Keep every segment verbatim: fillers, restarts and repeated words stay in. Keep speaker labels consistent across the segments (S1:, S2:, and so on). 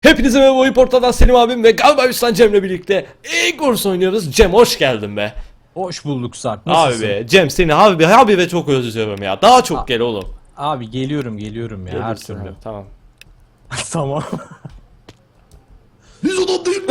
S1: Hepinize merhaba, oyun portaldan Selim abim ve galiba Üstan Cem'le birlikte Egors oynuyoruz. Cem hoş geldin be.
S2: Hoş bulduk Sarp.
S1: Abi
S2: Nasılsın?
S1: be Cem, seni abi abi ve çok özlüyorum ya. Daha çok
S2: A-
S1: gel oğlum.
S2: Abi geliyorum geliyorum ya her
S1: Gelirsin
S2: türlü.
S1: abi, tamam.
S2: Tamam.
S3: Biz adam değil mi?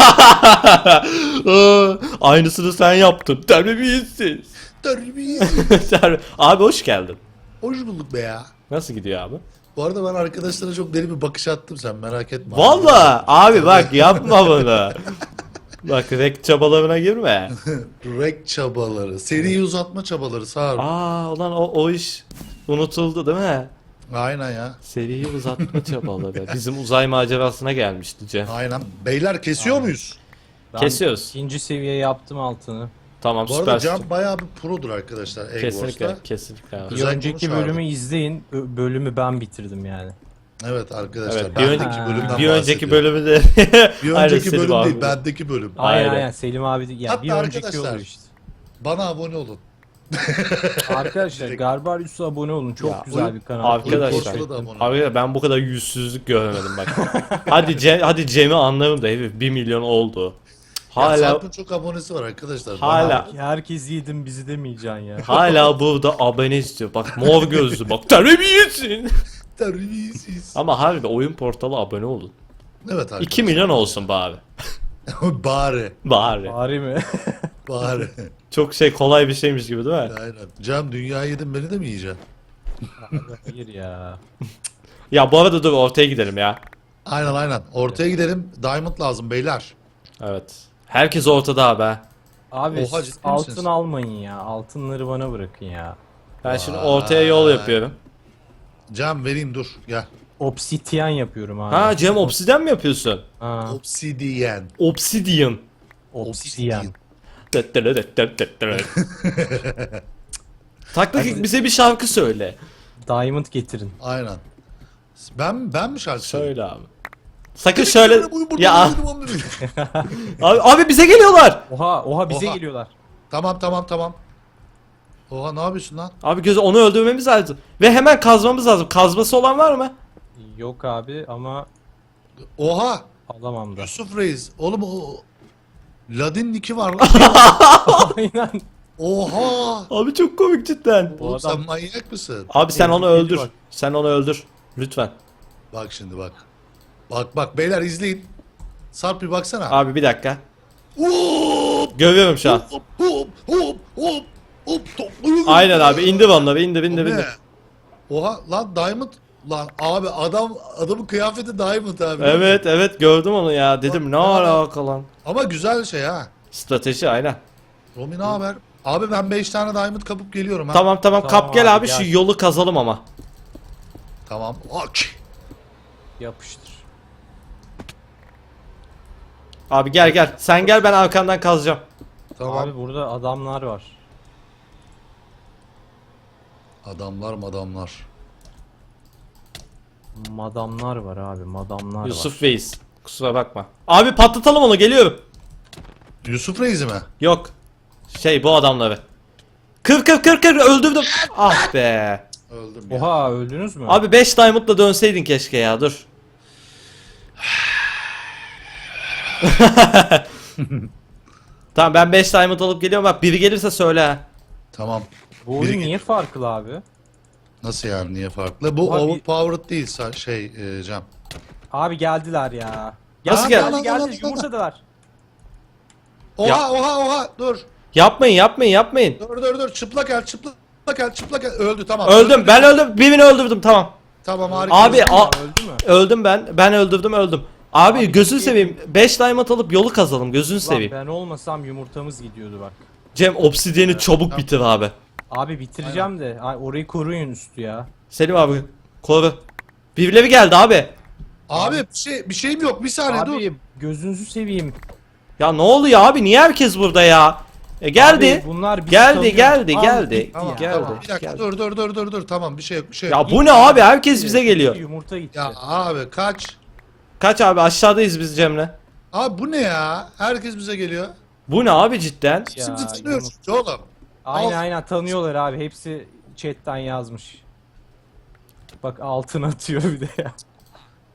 S1: Aa, aynısını sen yaptın. Terbiyesiz.
S3: Terbiyesiz.
S1: Terbi- Abi hoş geldin.
S3: Hoş bulduk be ya.
S1: Nasıl gidiyor abi?
S3: Bu arada ben arkadaşlara çok deli bir bakış attım, sen merak etme.
S1: Valla abi bak yapma bunu. Bak rek çabalarına girme.
S3: Rek çabaları, seriyi uzatma çabaları sağ ol.
S1: Aa ulan o, o iş unutuldu değil mi?
S3: Aynen ya.
S1: Seriyi uzatma çabaları. Bizim uzay macerasına gelmişti Cem.
S3: Aynen. Beyler kesiyor muyuz?
S2: Ben
S1: Kesiyoruz.
S2: İkinci seviye yaptım altını.
S1: Tamam,
S3: Bu arada
S1: süper.
S3: Can bayağı bir produr arkadaşlar
S1: Kesinlikle,
S3: Eggors'ta.
S1: kesinlikle abi.
S2: Bir
S3: Güzel
S2: önceki
S3: konuş abi.
S2: bölümü izleyin. Ö- bölümü ben bitirdim yani.
S3: Evet arkadaşlar.
S1: Evet, bir
S3: bendeki
S1: önceki
S3: bölümden
S1: Bir önceki
S3: bahsediyorum.
S1: bölümü de
S3: Bir
S1: Aynen,
S3: önceki
S1: Selim
S3: bölüm
S1: abi.
S3: değil, bendeki bölüm.
S2: Aynen
S1: Aynen.
S2: aynen Selim abi de, ya
S3: Hatta
S2: bir önceki
S3: arkadaşlar-
S2: oluyor işte.
S3: Bana abone olun.
S2: Arkadaşlar Garbarius'a abone olun. Çok
S1: Ya,
S2: güzel
S3: oyun-
S2: bir kanal.
S1: Arkadaşlar,
S3: Portalı da abone olun.
S1: abi ben bu kadar yüzsüzlük görmedim bak. hadi Cem, hadi Cem'i anlarım da herif bir milyon oldu.
S3: Ya
S1: Hala
S3: Sarp'ın çok abonesi var arkadaşlar. Bana-
S1: hala
S2: Herkes yedim bizi demeyeceksin ya.
S1: hala burada abone istiyor. Bak mor gözlü bak, terbiyesiz.
S3: Terbiyesiz.
S1: Ama harbi oyun portalı abone olun.
S3: Evet arkadaşlar.
S1: iki milyon olsun bari.
S3: Bari.
S1: Bari.
S2: Bari mi?
S3: Bari.
S1: Çok şey, kolay bir şeymiş gibi değil mi?
S3: Aynen. Cem dünyayı yedin, beni de mi yiyeceksin?
S2: Hayır ya.
S1: Ya bu arada dur ortaya gidelim ya.
S3: Aynen aynen. Ortaya gidelim. Diamond lazım beyler.
S1: Evet. Herkes ortada abi.
S2: Abi
S3: Oha,
S2: siz
S3: ciddi
S2: altın
S3: misiniz?
S2: almayın ya. Altınları bana bırakın ya.
S1: Ben şimdi ortaya yol yapıyorum.
S3: Cem vereyim, dur gel.
S2: Obsidyen yapıyorum abi.
S1: Ha Cem, obsidyen mi yapıyorsun?
S2: Ha,
S3: Obsidian.
S1: Obsidian.
S2: obsidyen.
S1: Taktik, bize bir şarkı söyle.
S2: Diamond getirin.
S3: Aynen. Ben ben mi şarkı söyleyeyim?
S1: Söyle abi. Sakın şöyle
S3: Bu- bu-
S1: ya
S3: bu- bu- bu-
S1: abi, abi bize geliyorlar.
S2: Oha oha bize
S3: Oha.
S2: geliyorlar.
S3: Tamam tamam tamam. Oha, ne yapıyorsun lan?
S1: Abi gözü, onu öldürmemiz lazım. Ve hemen kazmamız lazım. Kazması olan var mı?
S2: Yok abi ama
S3: Oha!
S2: alamam da.
S3: Yusuf Reis. Oğlum o Ladin niki var lan.
S2: Aynen.
S3: Oha!
S1: Abi çok komik cidden.
S2: Bu
S3: Oğlum
S2: adam-
S3: sen manyak mısın?
S1: Abi sen onu
S2: Tehlikeli
S1: öldür.
S2: bak.
S1: Sen onu öldür. Lütfen.
S3: Bak şimdi bak. Bak bak beyler izleyin. Sarp bir baksana.
S1: Abi bir dakika.
S3: Hop!
S1: Görüyorum şu an.
S3: Hop hop hop hop hop topluyor.
S1: Aynen abi, indir onları, indir indir
S3: O ne?
S1: indir.
S3: Oha lan Diamond. Lan abi adam adamın kıyafeti Diamond abi.
S1: Evet evet, gördüm onu ya. Dedim ne
S3: Bak,
S1: alaka lan.
S3: Ama güzel şey ha.
S1: Strateji aynen.
S3: Romi ne haber? Abi ben beş tane Diamond kapıp geliyorum ha.
S1: Tamam tamam,
S2: Tamam
S1: kap gel
S2: abi,
S1: abi, şu
S2: gel.
S1: yolu kazalım ama.
S3: Tamam. Ok.
S2: Yapıştır.
S1: Abi gel gel. Sen gel, ben arkandan kazacağım.
S3: Tamam.
S2: Abi burada adamlar var.
S3: Adamlar madamlar.
S2: Madamlar var abi madamlar var.
S1: Yusuf Reis. Kusura bakma. Abi patlatalım onu, geliyorum.
S3: Yusuf Reis'i mi?
S1: Yok. Şey, bu adamları. Kır kır kır kır, öldürdüm. Ah be.
S3: Öldüm ya.
S2: Oha öldünüz mü?
S1: Abi beş diamondla dönseydin keşke ya, dur. Tamam, ben beş diamond alıp geliyorum, bak biri gelirse söyle ha.
S3: Tamam.
S2: bu oyun
S3: biri-
S2: niye farklı abi?
S3: Nasıl yani, niye farklı? Bu
S2: Abi-
S3: overpowered değil sa- şey e, Cem.
S2: Abi geldiler ya.
S1: Nasıl
S2: geldi?
S1: geldi?
S2: Geldi geldi yumurtadılar.
S3: Oha
S1: Ya-
S3: oha oha dur.
S1: Yapmayın yapmayın yapmayın.
S3: Dur dur dur çıplak el çıplak el çıplak el öldü tamam.
S1: Öldüm,
S3: Öldü.
S1: ben öldüm, birini öldürdüm, tamam.
S3: Tamam harika.
S1: Abi
S3: Öldü.
S1: a-
S2: Öldü mü?
S1: öldüm ben, ben öldürdüm öldüm. Abi,
S2: Abi,
S1: gözünü
S2: iyi.
S1: seveyim, beş diamond alıp yolu kazalım, gözünü
S2: Lan
S1: seveyim.
S2: ben olmasam yumurtamız gidiyordu bak.
S1: Cem, obsidiyeni çabuk
S3: tamam.
S1: bitir abi.
S2: Abi bitireceğim de ay, orayı koruyun üstü ya.
S1: Selim abi koru. Birileri geldi abi.
S3: Abi bir şey bir şeyim yok, bir saniye dur.
S2: Abi gözünüzü seveyim.
S1: Ya ne oluyor abi, niye herkes burada ya? E geldi.
S2: Abi, bunlar bizi
S1: geldi
S2: tanıyor.
S1: geldi
S2: Abi,
S1: geldi.
S2: gitti
S3: Tamam
S2: ya.
S1: geldi.
S3: tamam bir dakika
S1: geldi.
S3: dur dur dur dur dur tamam bir şey yok bir şey
S1: Ya
S3: yok.
S1: bu ne abi, herkes bize geliyor.
S2: Yumurta gitti.
S3: Ya abi kaç.
S1: Kaç abi, aşağıdayız biz Cem'le.
S3: Abi bu ne ya? Herkes bize geliyor.
S1: Bu ne abi cidden?
S2: Ya,
S3: Şimdi tanıyoruz
S2: yumurta-
S3: oğlum.
S2: Aynen
S3: Al.
S2: aynen tanıyorlar abi. Hepsi chatten yazmış. Bak altın atıyor bir de ya.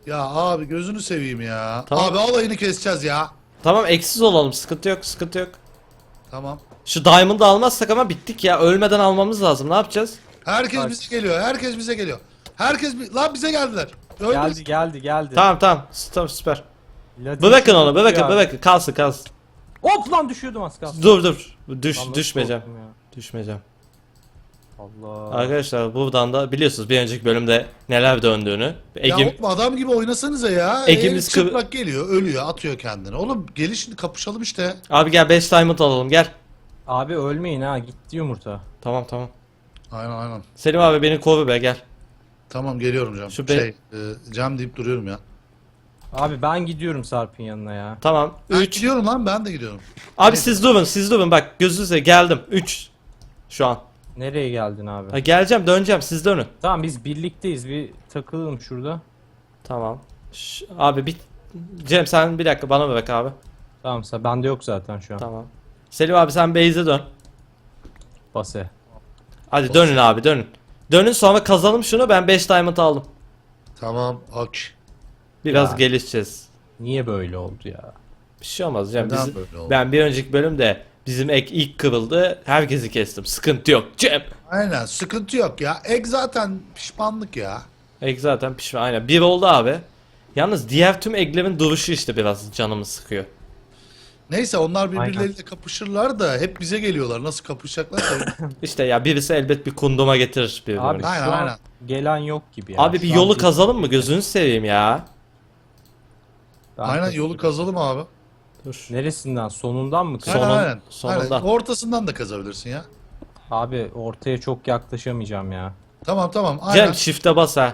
S3: Ya abi gözünü seveyim ya.
S1: Tamam.
S3: Abi alayını keseceğiz ya.
S1: Tamam eksiz olalım, sıkıntı yok, sıkıntı yok.
S3: Tamam.
S1: Şu Diamond'ı almazsak ama bittik ya. Ölmeden almamız lazım. Ne yapacağız?
S3: Herkes
S2: Bak.
S3: bize geliyor. Herkes bize geliyor. Herkes bi- lan bize geldiler. Öldü.
S2: Geldi geldi geldi.
S1: Tamam tamam. Tamam süper.
S2: Latin
S1: Bırakın onu,
S2: tutuyor
S1: bırakın,
S2: abi.
S1: bırakın. Kalsın, kalsın.
S2: Hop lan düşüyordum az kalsın.
S1: Dur dur. Düş,
S2: Lan nasıl
S1: düşmeyeceğim.
S2: korktum ya?
S1: Düşmeyeceğim.
S2: Allah.
S1: Arkadaşlar buradan da biliyorsunuz bir önceki bölümde neler döndüğünü.
S3: Ya
S1: Egim,
S3: oğlum adam gibi oynasanıza ya.
S1: Ekimiz
S3: El
S1: kıv-
S3: çıplak geliyor, ölüyor, atıyor kendini. Oğlum gelin şimdi kapışalım işte.
S1: abi gel beş diamond alalım gel.
S2: Abi ölmeyin ha, gitti yumurta.
S1: Tamam tamam.
S3: Aynen aynen.
S1: Selim abi beni koru be gel.
S3: Tamam geliyorum Cem.
S1: Şu be-
S3: Şey, e, Cem deyip duruyorum ya.
S2: Abi ben gidiyorum Sarp'ın yanına ya.
S1: Tamam.
S3: Ben
S1: üç.
S3: gidiyorum lan ben de gidiyorum.
S1: Abi siz durun siz durun bak gözünüze geldim. üç. Şu an.
S2: Nereye geldin abi?
S1: Ha, geleceğim döneceğim siz dönün.
S2: Tamam biz birlikteyiz, bir takılalım şurada.
S1: Tamam. Ş- abi bir Cem sen bir dakika bana bırak abi.
S2: Tamam sen, bende yok zaten şu an.
S1: Tamam. Selim abi sen base'e dön.
S2: Base.
S1: Hadi dönün abi dönün. Dönün sonra kazalım şunu ben beş diamond aldım.
S3: Tamam ok.
S1: Biraz
S2: Ya.
S1: gelişeceğiz.
S2: Niye böyle oldu ya?
S1: Bir şey olmaz Cem.
S3: Neden
S1: Bizim-
S3: böyle oldu?
S1: ben bir önceki bölümde bizim ek ilk kırıldı. Herkesi kestim. Sıkıntı yok Cem.
S3: Aynen sıkıntı yok ya. Ek zaten pişmanlık ya.
S1: Ek zaten pişman. Aynen. Bir oldu abi. Yalnız diğer tüm eglerin duruşu işte biraz canımı sıkıyor.
S3: Neyse onlar birbirleriyle kapışırlar da hep bize geliyorlar. Nasıl kapışacaklar?
S1: İşte ya birisi elbet bir kunduma getirir birbirini.
S2: Abi
S3: Aynen,
S2: şu an
S3: aynen.
S2: gelen yok gibi ya.
S1: Abi bir
S2: Şu an
S1: yolu
S2: bir-
S1: kazalım mı? Gözünü seveyim ya.
S2: Ben
S3: Aynen
S2: kazıyorum.
S3: yolu kazalım abi.
S1: Dur.
S2: Neresinden? Sonundan mı
S1: Sonun-
S2: kazalım?
S3: aynen, aynen.
S1: sonunda.
S3: Aynen. Ortasından da kazabilirsin ya.
S2: Abi ortaya çok yaklaşamayacağım ya.
S3: Tamam tamam aynen.
S1: Cem shift'e bas ha.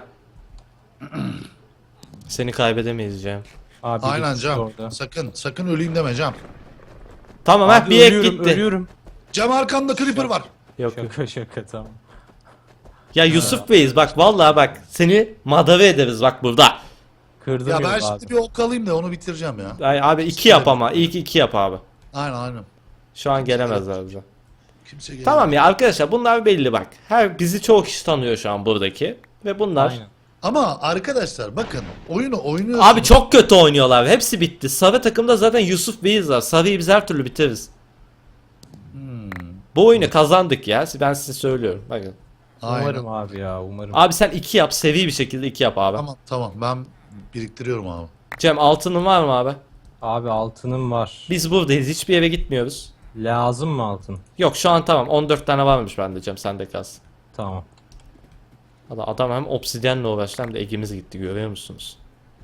S1: Seni kaybedemeyiz Cem.
S2: Abi
S3: Aynen
S2: bir
S3: Cem.
S2: orada.
S3: Sakın sakın öleyim deme Cem.
S1: Tamam ha
S2: Abi
S1: bir ek
S2: ölüyorum,
S1: gitti.
S2: ölüyorum.
S3: Cem arkanda creeper var.
S1: Yok yok.
S2: Şaka şaka tamam.
S1: Ya Yusuf Bey'iz bak vallahi bak seni madave ederiz bak burada.
S2: Kırdım
S3: Ya
S2: yolu
S3: ben
S2: abi.
S3: şimdi bir ok alayım da onu bitireceğim ya.
S1: Ay, abi iki yap ama ilk iki yap abi.
S3: Aynen aynen.
S1: Şu an gelemezler bize.
S3: Kimse gelmiyor.
S1: Tamam ya arkadaşlar bunlar belli bak. Her bizi çoğu kişi tanıyor şu an buradaki ve bunlar
S2: Aynen.
S3: Ama arkadaşlar bakın oyunu oynuyorsunuz.
S1: abi çok kötü oynuyorlar. Hepsi bitti. Sarı takımda zaten Yusuf Bey'iz var. Sarı'yı biz her türlü bitiririz.
S3: Hmm,
S1: Bu oyunu kazandık ya. Ben size söylüyorum. Bakın.
S3: aynen.
S2: Umarım abi ya, umarım.
S1: Abi sen iki yap. Sevi bir şekilde iki yap abi.
S3: Tamam tamam ben biriktiriyorum abi.
S1: Cem altının var mı abi?
S2: Abi altınım var.
S1: Biz buradayız. Hiçbir yere gitmiyoruz.
S2: Lazım mı altın?
S1: Yok şu an tamam. on dört tane varmış bende Cem. Sende kalsın.
S2: Tamam.
S1: Adam, adam hem obsidyenle uğraştı hem de egimiz gitti. Görüyor musunuz?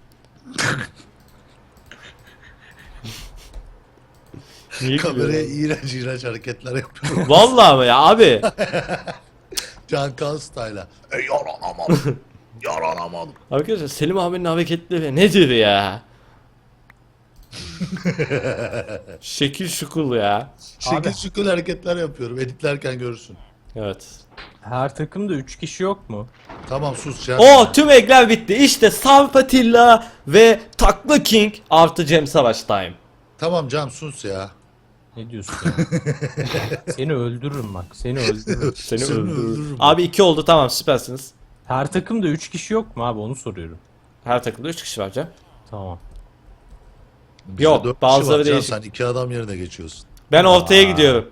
S1: Niye
S3: Kameraya
S1: gülüyorsun?
S3: iğrenç iğrenç hareketler yapıyorum.
S1: Vallahi mı ya abi?
S3: Can Kan style'a. E yaranamadım. yaranamadım.
S1: Arkadaşlar Selim abinin hareketleri nedir ya? Şekil şukul ya.
S3: Şekil
S2: Abi-
S3: şükür hareketler yapıyorum. Editlerken görürsün.
S1: Evet.
S2: Her takımda üç kişi yok mu?
S3: Tamam sus Can.
S1: O tüm egler bitti. İşte Sarpatilla ve Takla King artı Cem Savaş time.
S3: Tamam Can sus ya.
S2: Ne diyorsun ya? Seni öldürürüm bak. Seni öldürürüm.
S1: Seni
S3: Seni
S1: öldürürüm.
S3: öldürürüm.
S1: Abi iki oldu tamam süpersiniz.
S2: Her takımda üç kişi yok mu abi, onu soruyorum.
S1: Her takımda üç kişi var Cem.
S2: Tamam.
S3: Bizde
S1: Yok,
S3: dört kişi
S1: bazıları
S3: var Can,
S1: değişik.
S3: Sen iki adam yerine geçiyorsun.
S1: Ben ortaya
S2: Aa.
S1: gidiyorum.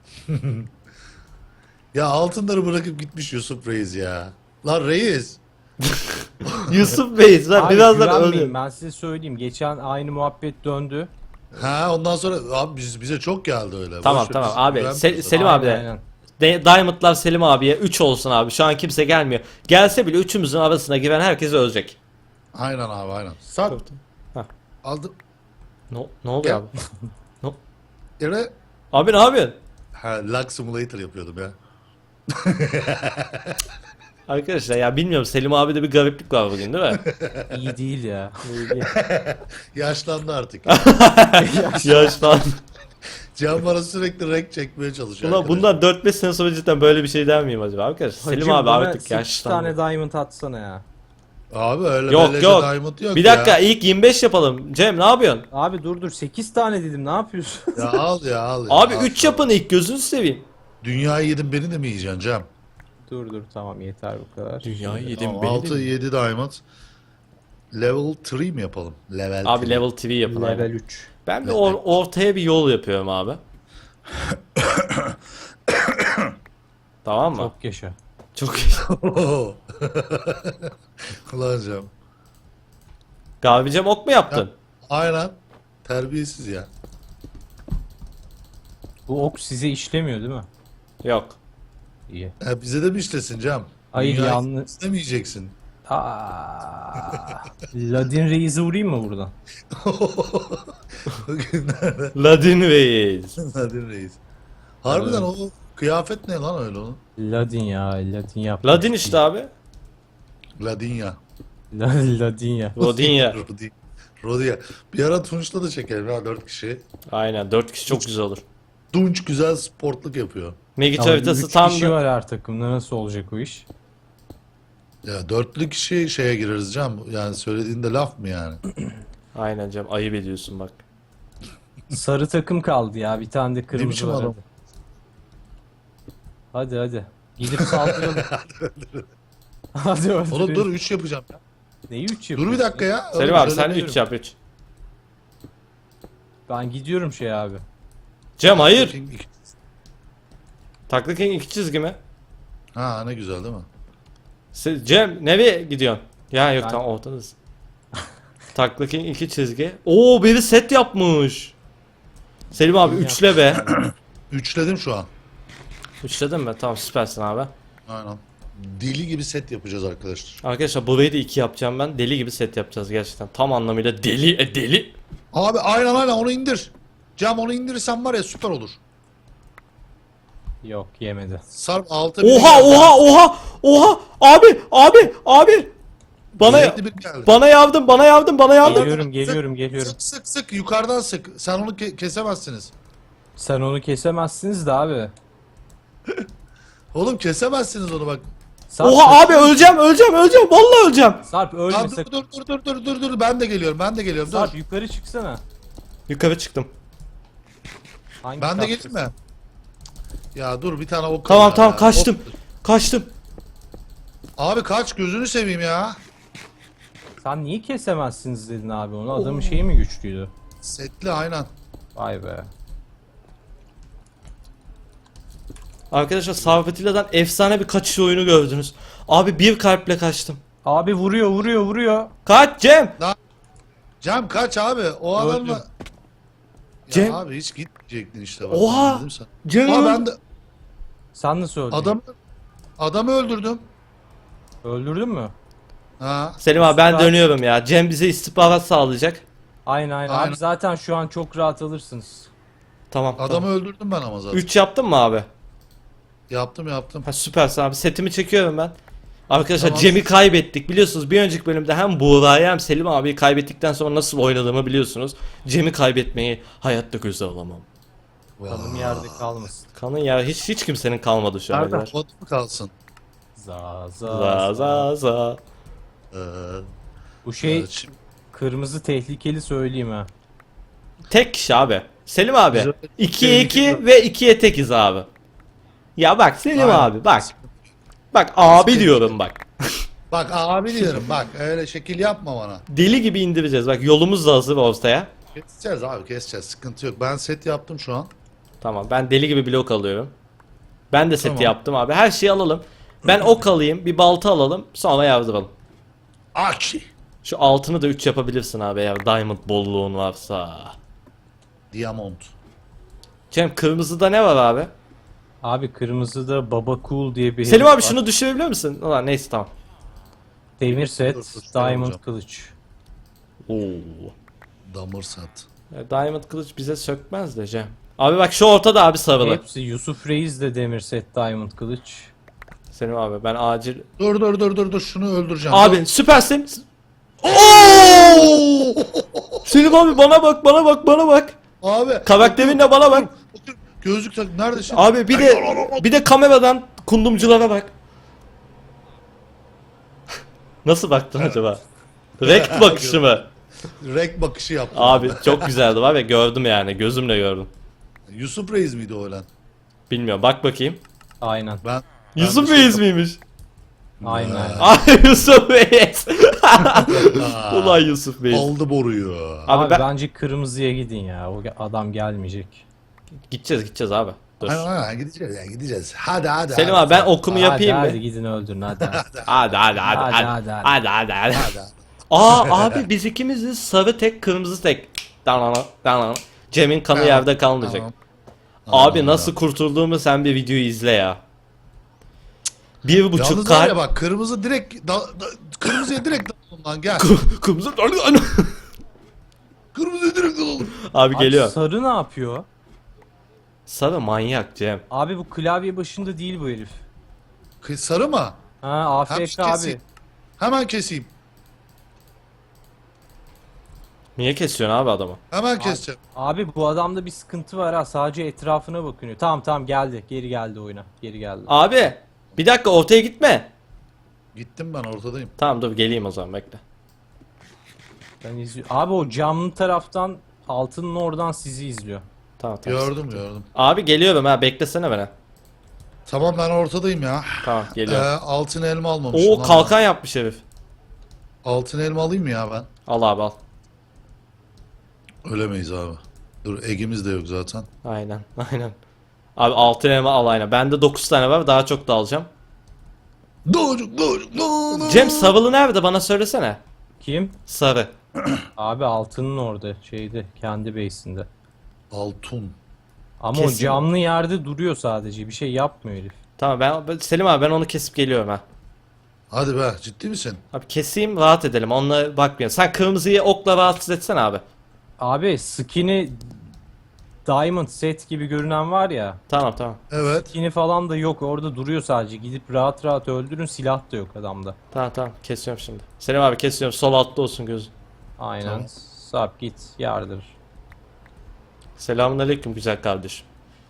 S3: Ya altınları bırakıp gitmiş Yusuf Reis ya. Lan Reis.
S1: Yusuf Bey sen
S2: Abi
S1: birazdan
S2: güvenmeyin,
S1: öldün.
S2: ben size söyleyeyim. Geçen aynı muhabbet döndü.
S3: Ha ondan sonra abi biz, bize çok geldi öyle.
S1: Tamam,
S3: Boş ver,
S1: tamam
S3: biz
S1: abi.
S3: güvenmiyoruz.
S1: Se- Selim
S2: Aynen,
S1: abi de.
S2: aynen.
S1: De- Diamond'lar Selim abiye üç olsun abi. Şu an kimse gelmiyor. Gelse bile üçümüzün arasına giren herkes ölecek.
S3: Aynen abi aynen. Sat.
S1: Hah.
S3: Aldım.
S1: Ne, ne oluyor abi?
S3: Yere.
S1: Abi ne yapıyorsun?
S3: Ha Lag Simulator yapıyordum ya.
S1: Arkadaşlar ya bilmiyorum Selim abi de bir gariplik var bugün değil mi?
S2: İyi değil ya.
S3: Yaşlandı artık.
S1: Yaşlan.
S3: Can bana sürekli renk çekmeye çalışıyor.
S1: Ulan
S3: arkadaş.
S1: bundan dört beş sene sonra cidden böyle bir şey der miyim acaba arkadaşlar? Selim
S2: Hacım,
S1: abi
S2: bana
S1: artık
S2: sekiz
S1: yaşlandı.
S2: tane diamond atsana ya.
S3: Abi öyle
S1: Yok
S3: beleşe
S1: yok.
S3: diamond yok
S1: Bir
S3: ya.
S1: dakika ilk yirmi beş yapalım. Cem ne yapıyorsun?
S2: Abi dur dur, sekiz tane dedim, ne yapıyorsun?
S3: Ya al ya al ya.
S1: Abi
S3: al.
S1: üç yapın ilk gözünü seveyim.
S3: Dünyayı yedin beni de mi yiyeceksin Cem?
S2: Dur dur tamam, yeter bu kadar.
S1: Dünyayı yedim
S3: Tamam,
S1: beni
S3: altı
S1: de.
S3: yedi diamond. level üç mi yapalım? Level
S1: Abi
S3: üç.
S1: level T V yapın abi.
S2: Level üç.
S1: Ben bir or- ortaya bir yol yapıyorum abi. Tamam mı?
S2: Çok yaşa.
S1: Çok iyi.
S3: Kullanacağım.
S1: Gabicem ok mu yaptın?
S3: Aynen. Terbiyesiz ya.
S2: Bu ok size işlemiyor değil mi?
S1: Yok.
S2: İyi.
S3: Ya bize de mi işlesin Cem?
S2: Hayır,
S3: Dünyayı
S2: yalnız-
S3: istemeyeceksin.
S2: Aa, Ladin Reis'i vurayım mı buradan?
S3: Bugünlerde
S1: Ladin Reis.
S3: Nadir Reis. Harbiden o kıyafet ne lan öyle onun?
S2: Ladin ya, Ladin yap.
S1: Ladin işte abi.
S3: Ladinya.
S2: Ladin ya.
S1: Rodinya.
S3: Rodi. Rodinya. Bir ara Tunç'ta da çekelim ha dört kişi.
S1: Aynen dört kişi çok güzel olur.
S3: Tunç güzel sportluk yapıyor.
S1: Megit
S2: Ama
S1: haritası
S2: üç
S1: tam
S2: kişi
S1: da...
S2: var her takımda, nasıl olacak o iş?
S3: Ya dörtlü kişi şeye gireriz Cem. Yani söylediğinde laf mı yani?
S1: Aynen Cem ayıp ediyorsun bak.
S2: Sarı takım kaldı ya, bir tane de kırmızı
S3: biçim
S2: var.
S3: adam?
S2: Hadi hadi. hadi. Gidip saldıralım. Hadi öldürelim.
S3: Oğlum dur üç yapacağım ya.
S2: Neyi üç
S3: Dur
S2: yapıyorsun?
S3: bir dakika ya.
S1: Selim
S3: Oğlum
S1: abi sen
S3: söylemiyorum.
S1: üç yap üç.
S2: Ben gidiyorum şey abi.
S1: Cem hayır.
S3: King iki-
S1: Taklı King iki çizgi mi?
S3: Ha ne güzel değil mi?
S1: Se- Cem nereye gidiyorsun? Ya yok
S2: Ben-
S1: tamam ortadasın. Taklı King iki çizgi. Oo biri set yapmış. Selim abi
S2: Kim
S1: üçle be.
S3: Üçledim şu an.
S1: Üçledin mi? Tamam süpersin abi.
S3: Aynen. Deli gibi set yapacağız arkadaşlar.
S1: Arkadaşlar burayı da iki yapacağım ben. Deli gibi set yapacağız gerçekten. Tam anlamıyla deli e, deli.
S3: Abi aynen aynen onu indir. Cem onu indirirsen var ya süper olur.
S2: Yok, yemedi.
S3: Sarp altı
S1: Oha oha oha oha abi abi abi. Bana
S3: Yedi bir geldi.
S1: bana yardım bana yardım bana yardım.
S2: Geliyorum geliyorum geliyorum.
S3: Sık sık sık yukarıdan sık. Sen onu ke- kesemezsiniz.
S2: Sen onu kesemezsiniz de abi.
S3: Oğlum kesemezsiniz onu bak.
S2: Sarp,
S1: Oha abi öleceğim öleceğim öleceğim vallahi öleceğim.
S2: Sarp ölme
S3: Lan dur
S2: sakın.
S3: dur dur dur dur dur dur ben de geliyorum ben de geliyorum
S2: Sarp
S3: dur.
S2: yukarı çıksana.
S1: Yukarı çıktım.
S2: Hangi
S3: Ben de
S2: kattasın?
S3: geleyim mi? Ya dur bir tane ok.
S1: Tamam
S3: kaldı
S1: tamam
S3: ya.
S1: kaçtım.
S3: Ok-
S1: Kaçtım.
S3: Abi kaç gözünü seveyim ya.
S2: Sen niye kesemezsiniz dedin abi onu? Adamın şeyi mi güçlüydü?
S3: Setli aynen.
S2: Vay be.
S1: Arkadaşlar Sarpatilla'dan efsane bir kaçış oyunu gördünüz. Abi bir kalple kaçtım.
S2: Abi vuruyor vuruyor vuruyor.
S1: Kaç Cem.
S3: Cem kaç abi o adamla. Ya
S1: Cem.
S3: abi hiç gitmeyecektin işte bak.
S1: Oha!
S3: Dedim sana.
S1: Cem.
S3: Aa ben de
S2: Sen nasıl öldün?
S3: adamı adamı öldürdüm.
S2: Öldürdün mü?
S3: Ha.
S1: Selim abi ben
S2: Süper.
S1: dönüyorum ya. Cem bize istihbarat sağlayacak.
S2: Aynen aynen.
S3: Aynen.
S2: Abi zaten şu an çok rahat alırsınız.
S1: Tamam.
S3: Adamı öldürdüm ben ama zaten.
S1: üç yaptın mı abi?
S3: Yaptım yaptım.
S1: Ha süpersin abi. Setimi çekiyorum ben. Arkadaşlar
S3: Tamam.
S1: Cem'i kaybettik. Biliyorsunuz bir önceki bölümde hem Buğra'yı hem Selim abiyi kaybettikten sonra nasıl oynadığımı biliyorsunuz. Cem'i kaybetmeyi hayatta göze alamam.
S2: Kanım yerde kalmasın.
S1: Kanın ya hiç hiç kimsenin kalmadı şu ana
S3: Nerede?
S1: kadar.
S3: Bot mu kalsın?
S2: Za za
S1: Za za za.
S3: Ee,
S2: Bu şey
S3: evet, şimdi-
S2: kırmızı tehlikeli söyleyeyim ha.
S1: Tek kişi abi. Selim abi.
S3: Güzel.
S1: ikiye iki
S3: Tehlikeli.
S1: ve ikiye tekiz abi. Ya bak Selim
S3: Aynen.
S1: abi bak. Bak abi
S3: Sıkıntı.
S1: diyorum bak.
S3: Bak abi diyorum bak öyle şekil yapma bana.
S1: Deli gibi indireceğiz. Bak yolumuz da hazır ortaya.
S3: Keseceğiz abi keseceğiz sıkıntı yok. Ben set yaptım şu an.
S1: Tamam ben deli gibi blok alıyorum. Ben de seti
S3: Tamam.
S1: yaptım abi. Her şeyi alalım. Ben ok alayım, bir balta alalım, sonra yazdıralım.
S3: Aki.
S1: Şu altını da üç yapabilirsin abi eğer diamond bolluğun varsa.
S3: Diamond.
S1: Cem kırmızıda ne var abi?
S2: Abi kırmızıda Baba Cool diye bir
S1: Selim
S2: herif
S1: abi
S2: var.
S1: şunu düşürebilir misin? Ulan neyse tamam.
S2: Demir set,
S3: Dur, dur,
S2: Diamond
S3: hocam.
S2: kılıç.
S1: Oo.
S3: Damır sat.
S1: Ya Diamond kılıç bize sökmez de Cem. Abi bak şu ortada abi sarılı.
S2: Hepsi Yusuf Reis de demir set, Diamond kılıç.
S1: Selim abi ben acil...
S3: Dur dur dur dur dur şunu öldüreceğim.
S1: Abi süpersin.
S3: Oo!
S1: Selim abi bana bak bana bak bana bak.
S3: Abi.
S1: Karakterinle bana bak.
S3: Otur, gözlük tak. Nerede şimdi?
S1: Abi bir de bir de kameradan kundumculara bak. Nasıl baktın acaba? Rekt bakışı mı?
S3: Rek bakışı yaptım.
S1: Abi çok güzeldi var ya gördüm yani gözümle gördüm.
S3: Yusuf Reis miydi o ölen?
S1: Bilmiyorum bak bakayım.
S2: Aynen.
S3: Ben.
S1: Yusuf
S3: bir şey
S1: Reis miymiş?
S2: Aynen.
S3: Ha.
S1: Ay Yusuf Reis. Ulan Yusuf Bey.
S3: Aldı boruyu.
S1: Abi
S2: Abi,
S1: ben-
S2: bence kırmızıya gidin ya. O adam gelmeyecek.
S1: Gideceğiz gideceğiz abi. Dur.
S3: Aynen aynen gideceğiz ya gideceğiz. Hadi hadi.
S1: Selim
S3: hadi.
S1: abi ben okumu yapayım
S2: hadi,
S1: mı?
S2: hadi gidin öldürün hadi.
S1: Hadi hadi hadi
S2: Hadi,
S1: hadi
S2: hadi,
S1: hadi hadi hadi.
S3: Hadi.
S1: Aa abi biz ikimiziz, sarı tek kırmızı tek. Danana danana. Cem'in kanı
S3: Tamam,
S1: yerde kalmayacak.
S3: tamam.
S1: Abi
S3: Tamam,
S1: nasıl kurtulduğumu sen bir videoyu izle ya. Bir buçuk
S3: Yalnız var ya
S1: kalp.
S3: bak kırmızı direkt da, da, kırmızıya direkt dalalım lan gel.
S1: Kırmızı.
S3: Kırmızıya direkt dalalım.
S1: Abi
S2: Abi
S1: geliyor.
S2: sarı ne yapıyor?
S1: Sarı manyak Cem.
S2: Abi bu klavye başında değil bu herif.
S3: Kı- Sarı mı?
S2: Ha
S3: Hem
S2: A F K abi.
S3: keseyim. Hemen keseyim.
S1: Niye kesiyorsun abi adamı?
S3: Hemen keseceğim.
S2: Abi bu adamda bir sıkıntı var ha. Sadece etrafına bakınıyor. Tamam tamam geldi. Geri geldi oyuna. Geri geldi.
S1: Abi bir dakika ortaya gitme.
S3: Gittim ben ortadayım.
S1: Tamam dur geleyim o zaman bekle.
S2: Ben izliyor. Abi o camlı taraftan altının oradan sizi izliyor.
S1: Tamam tamam.
S3: Gördüm gördüm.
S1: Abi geliyorum ha beklesene beni.
S3: Tamam ben ortadayım ya.
S1: Tamam
S3: Ee,
S1: geliyorum.
S3: altın elma almamışım.
S1: Oo
S3: lan
S1: kalkan yapmış herif.
S3: ben. Altın elma alayım mı ya ben?
S1: Al abi al.
S3: Ölemeyiz abi. Dur egimiz de yok zaten.
S1: Aynen aynen. Abi altın elma al aynen. Bende dokuz tane var daha çok da alacağım.
S3: Doğucuk doğucuk doğucuk.
S1: Cem sarılı nerede bana söylesene.
S2: Kim?
S1: Sarı.
S2: Abi altının orada. Şeyde. Kendi base'inde.
S3: Altın.
S2: Ama
S1: Kesin.
S2: o camlı yerde duruyor sadece. Bir şey yapmıyor herif.
S1: Tamam ben ben- Selim abi ben onu kesip geliyorum ha.
S3: Hadi be ciddi misin?
S1: Abi keseyim rahat edelim onunla bakmayalım. Sen kırmızıyı okla rahatsız etsene abi.
S2: Abi skin'i Diamond set gibi görünen var ya.
S1: Tamam tamam.
S3: Evet.
S2: Skin'i falan da yok. Orada duruyor sadece. Gidip rahat rahat öldürün. Silah da yok adamda.
S1: Tamam tamam kesiyorum şimdi. Selim abi kesiyorum sol altta olsun gözün.
S2: Aynen.
S3: Tamam.
S2: Sap git. Yardır.
S1: Selamünaleyküm güzel kardeşim.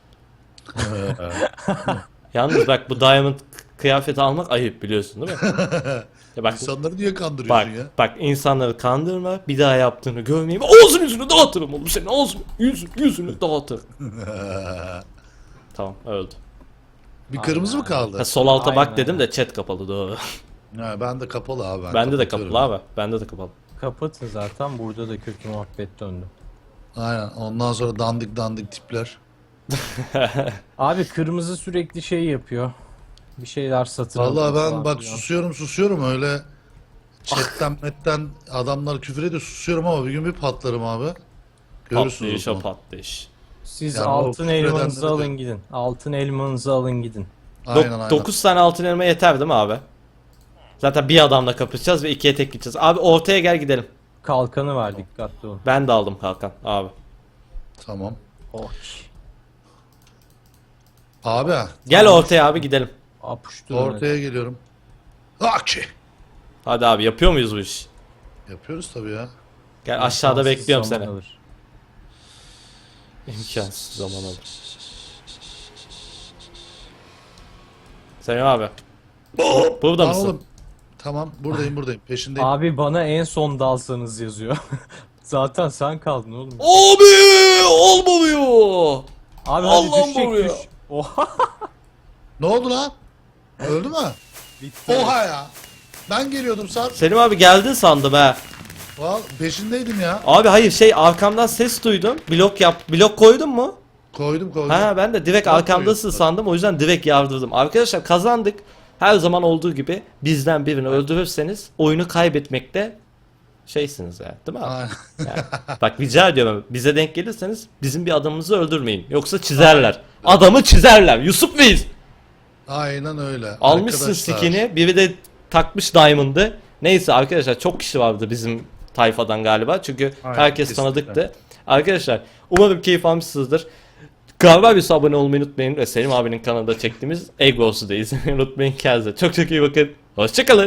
S1: Yalnız bak bu diamond kıyafeti almak ayıp biliyorsun değil mi? Ya bak
S3: İnsanları niye
S1: bak
S3: kandırıyorsun ya?
S1: bak insanları kandırma bir daha yaptığını görmeyeyim. Ağzını yüzünü dağıtırım oğlum senin ağzını yüzünü, yüzünü dağıtırım. Tamam öldü.
S3: Bir kırmızı mı
S1: Ha,
S3: kaldı?
S1: sol alta bak
S2: Aynen,
S1: dedim
S2: aynen.
S1: de chat kapalı doğru.
S3: Ha, ben de kapalı abi. Ben
S1: Bende de
S3: kapatıyorum.
S1: kapalı abi. Bende de kapalı.
S2: Kapatın zaten. Burada da kötü muhabbet döndü.
S3: Aynen. Ondan sonra dandik dandik tipler.
S2: Abi kırmızı sürekli şey yapıyor. Bir şeyler satın
S3: Vallahi
S2: alıyor
S3: ben
S2: falan
S3: bak
S2: filan.
S3: susuyorum susuyorum öyle chatten metten adamlar küfür ediyor susuyorum ama bir gün bir patlarım abi. Görürsünüz
S1: Patlayış
S3: o
S1: o
S3: zaman.
S1: patlayış.
S2: Siz
S3: Yani o
S2: altın
S3: küfür
S2: elmanızı
S3: edenleri de-
S2: alın gidin. Altın elmanızı alın gidin.
S3: Aynen aynen.
S1: dokuz tane altın elma yeter değil mi abi? Zaten bir adamla kapışacağız ve ikiye tek gideceğiz. Abi ortaya gel gidelim.
S2: Kalkanı var dikkatli olun.
S1: Ben de aldım kalkan abi.
S3: Tamam.
S2: Oh.
S3: Abi.
S1: Gel ortaya abi gidelim.
S2: Apuştu.
S3: Ortaya geliyorum. Aki.
S1: Hadi abi yapıyor muyuz bu işi?
S3: Yapıyoruz tabii ya.
S1: Gel aşağıda bekliyorum seni.
S2: Alır.
S1: İmkansız zaman alır. Selim abi. Burada
S3: Lan
S1: mısın?
S3: oğlum. Tamam buradayım buradayım peşindeyim.
S2: Abi bana en son dalsanız yazıyor. Zaten sen kaldın oğlum.
S1: Abi olmuyor.
S2: Abi hadi
S1: Allah'ım
S2: düşecek
S1: vuruyor.
S2: düş. Oha.
S3: Ne oldu lan? Öldü mü?
S2: Bitti.
S3: Oha ya. Ben geliyordum Sarp.
S1: Selim abi geldin sandım ha.
S3: Val peşindeydim ya.
S1: Abi hayır şey arkamdan ses duydum. Blok yap. Blok koydun mu?
S3: Koydum koydum.
S1: Ha ben de direkt
S3: Blok
S1: arkamdasın
S3: koyuyorsun.
S1: sandım. O yüzden direkt yardırdım. Arkadaşlar kazandık. Her zaman olduğu gibi bizden birini öldürürseniz oyunu kaybetmekte şeysiniz ya, değil mi? abi?
S3: Aynen.
S1: Yani, bak rica ediyorum bize denk gelirseniz bizim bir adamımızı öldürmeyin. Yoksa çizerler. Adamı çizerler. Yusuf Bey'iz.
S3: Aynen öyle.
S1: Almışsın
S3: Arkadaşlar.
S1: skin'i. Biri de takmış Diamond'ı. Neyse arkadaşlar çok kişi vardı bizim tayfadan galiba. Çünkü
S3: Aynen,
S1: herkes
S3: kesinlikle.
S1: tanıdıktı. Arkadaşlar umarım keyif almışsınızdır. Galiba bir abone olmayı unutmayın. Ve Selim abinin kanalında çektiğimiz Egg Wars'u da izlemeyi unutmayın. Kendinize çok çok iyi bakın. Hoşçakalın.